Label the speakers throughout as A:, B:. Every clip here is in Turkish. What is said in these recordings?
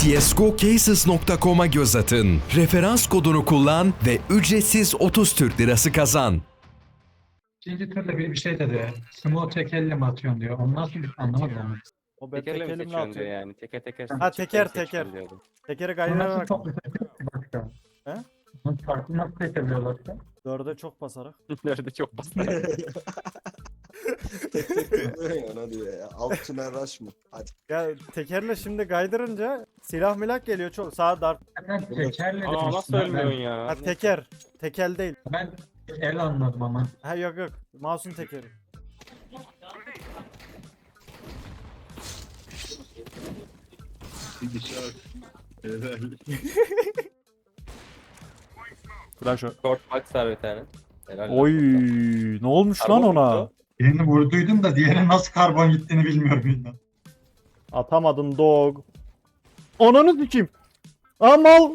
A: CSGOCases.com'a göz atın. Referans kodunu kullan ve ücretsiz 30 Türk Lirası kazan.
B: İkinci turda bir şey dedi. Smoke tek elle mi atıyorsun diyor. Onu nasıl anlamadım onu.
C: O ben tek
D: Tekerle mi
C: elimle
D: seçiyorsun diyor
C: atıyorum.
D: yani. Teker teker
C: Ha, teker,
D: seçiyorsun
C: teker.
D: diyordu.
C: Tekeri
B: Bu nasıl
C: kaydırarak
B: toplu başka?
C: He?
B: Bunu farklı nasıl seçebiliyorlar ki?
C: 4'e çok basarak.
D: Nerede çok basit.
E: Ona diyor ya. Alt tünel rush mı? Hadi.
C: Ya tekerle şimdi kaydırınca silah milak geliyor çok. Sağ dart.
B: Ben tekerle
D: Aa
B: demiştim.
D: nasıl ölmüyorsun ya?
C: Ha teker. Tekel değil.
B: Ben el anladım ama.
C: Ha yok yok. Mouse'un tekeri. Flash o.
D: Short box var bir tane. Helal
C: Oy,
D: olsun.
C: ne olmuş lan
D: Karbon
C: ona?
D: muydu
B: Birini vurduydum da diğeri nasıl karbon gittiğini bilmiyorum bilmem.
C: Atamadın dog. Ananı sikeyim. Amal.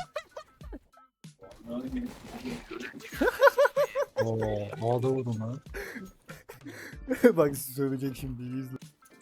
B: Havada vurdum ha.
C: Bak söyleyecek şimdi izle.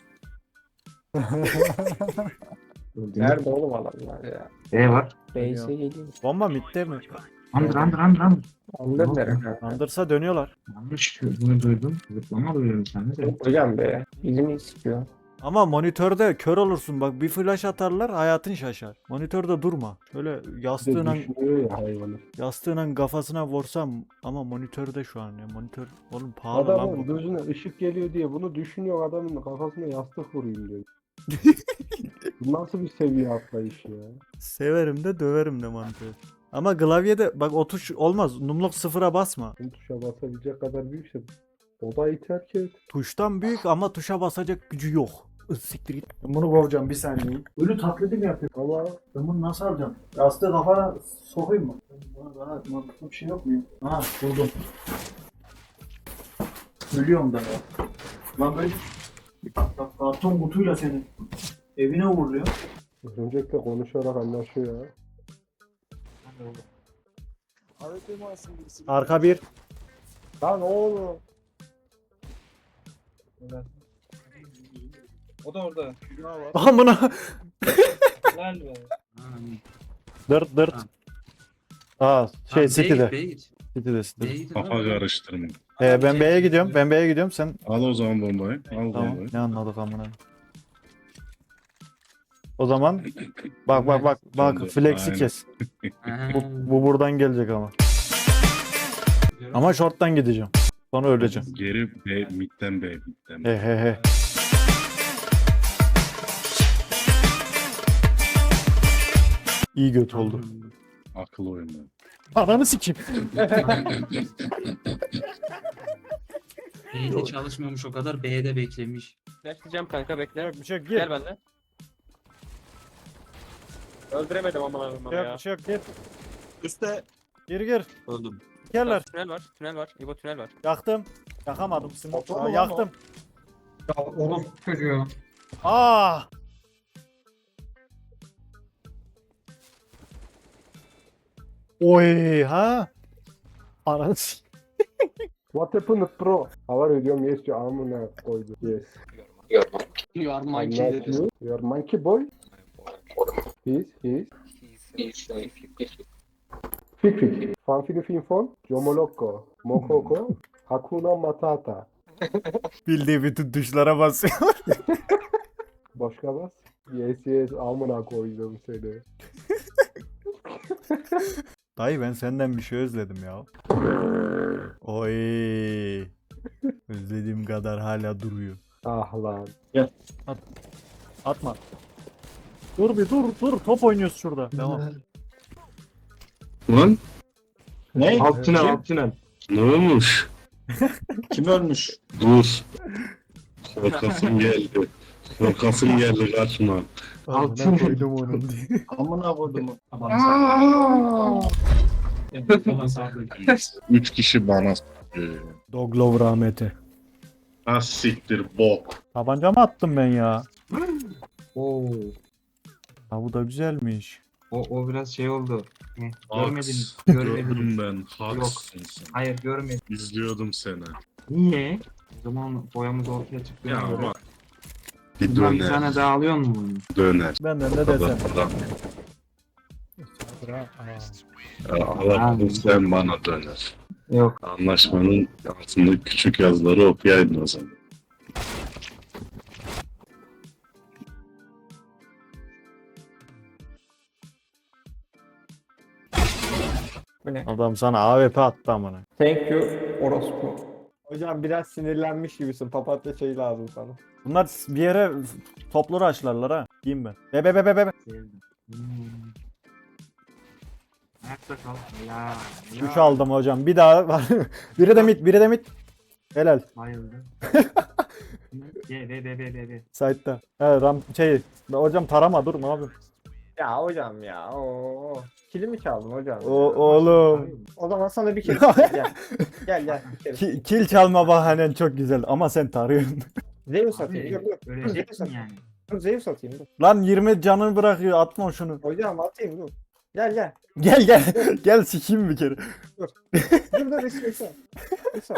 D: Nerede oğlum adamlar ya?
F: E var.
D: Base'e geliyor.
C: Bomba midde mi?
F: Andır andır andır andır.
D: Anladın nerede?
C: Andırsa dönüyorlar.
F: Yanlış bunu duydum. Zıplama duyuyorum sende de.
D: Hocam be. Bizim istiyor.
C: Ama monitörde kör olursun bak, bir flash atarlar hayatın şaşar. Monitörde durma. Şöyle yastığına yastığına kafasına vursam ama monitörde şu an ya. Monitör oğlum pahalı lan
G: Adamın
C: bu.
G: gözüne ışık geliyor diye bunu düşünüyor, adamın kafasına yastık vurayım diyor. Bu nasıl bir seviye atlayış ya?
C: Severim de döverim de monitör. Ama klavyede bak o tuş olmaz. Numlok sıfıra basma.
G: Bu tuşa basabilecek kadar büyükse o da iter ki.
C: Tuştan büyük ama tuşa basacak gücü yok. Siktir git. Ben bunu kovacağım bir saniye. Ölü taklidi mi yapıyor?
G: Ama
C: Ben bunu nasıl alacağım? Yastığı kafana sokayım mı? Bana daha mantıklı bir şey yok mu? Ha buldum. Ölüyorum da ya. Lan böyle bak karton kutuyla seni evine uğurluyor.
G: öncelikle konuşarak anlaşıyor ya.
C: Arka bir.
G: Lan oğlum.
H: O da orada. Kübra var.
C: Amına.
H: Helal be.
C: Dırt dırt. Aa şey City'de.
H: Beyt.
C: City'de.
I: Kafa karıştırma.
C: Ben B'ye gidiyorum. Ben B'ye gidiyorum. Sen
I: Al o zaman bombayı. Al
C: tamam.
I: bombayı.
C: Ne anladık amına. O zaman bak
I: Sen de,
C: flex'i
I: aynen.
C: kes. Bu buradan gelecek ama. Ama short'tan gideceğim. Sonra öleceğim.
I: Geri B, midden B.
C: He he he. İyi göt oldu.
I: Akıl oyunu.
C: Ananı sikeyim.
H: B'de çalışmıyormuş o kadar. B'de beklemiş.
D: Flashlayacağım kanka bekle.
C: Yok bir şey yok gir.
D: Gel benden. Öldüremedim ama
C: Yok
D: ya.
C: bir şey yok gir.
E: Üste.
C: Gir.
E: Öldüm.
C: Geller.
D: Tünel var. Tünel var. İbo tünel var.
C: Yaktım. Yakamadım.
E: Motor mu
C: Aa,
E: lan
C: yaktım.
B: Ya oğlum çocuğu.
C: Ah. Oy ha. Ananı sikeyim.
G: What happened bro? How are you diyorum, yes diyor, amına koydu. Yes.
H: You are
G: I'm
H: monkey
G: not
H: dedi.
G: you. You are monkey boy. He's. Fik. Fanfili finfon. Jomoloko. Mokoko. Hakuna Matata.
C: Bildiği bütün tuşlara basıyor.
G: Başka bas. Yes amına koydum seni.
C: Dayı ben senden bir şey özledim ya. Oy. Özlediğim kadar hala duruyor.
G: Ah lan.
C: Atma. Dur bir dur. Top oynuyoruz şurada. Devam.
I: Lan
F: Ne?
G: Alt tünel.
I: ne olmuş?
F: Kim ölmüş?
I: Dur. Korkasım geldi. Korkasım geldi kaçma.
C: Altına koydum onun diye.
F: Amına koydum.
H: Falan sağlık.
I: 3 kişi bana
C: Doglov rahmeti.
I: Az siktir bok.
C: Tabanca mı attım ben ya?
H: Oo.
C: Ha bu da güzelmiş.
H: O biraz şey oldu.
I: Haks.
H: Görmediniz.
I: Gördüm ben. Haksın sen.
H: Hayır görmedim.
I: İzliyordum seni.
H: Niye? O zaman boyamız ortaya çıktı.
I: Ya bak. Bir
H: Buradan bir
I: döner.
H: tane daha alıyor mu bunu?
I: Döner.
C: Benden ne desem.
I: Alamadın sen bana döner.
H: Yok.
I: Anlaşmanın altında küçük yazıları okuyaydın o zaman.
G: Bu ne?
C: Adam sana AWP attı amına.
G: Thank you orospu. Hocam biraz sinirlenmiş gibisin. Papatya çayı lazım sana.
C: Bunlar bir yere toplu raşlarlar ha. Diyeyim ben. Be.
H: Sevdim. Ayakta kal. Ya.
C: 3 aldım hocam. Bir daha var. Biri de mid. Helal.
H: Bayıldı. Be.
C: Side'da. He hocam tarama dur ne yapıyorsun?
G: Ya hocam ya. Oo. Kilimi çaldın hocam.
C: Oğlum.
G: O zaman sana bir kere gel bir kere.
C: Kill çalma bahanen çok güzel ama sen tarıyorsun.
G: Zeus atayım. Dur.
H: Öleceksin yani.
G: Dur Zeus atayım dur.
C: Lan 20 canını bırakıyor atma şunu.
G: Hocam atayım dur. Gel.
C: Gel sikeyim bir kere.
G: Dur İsa.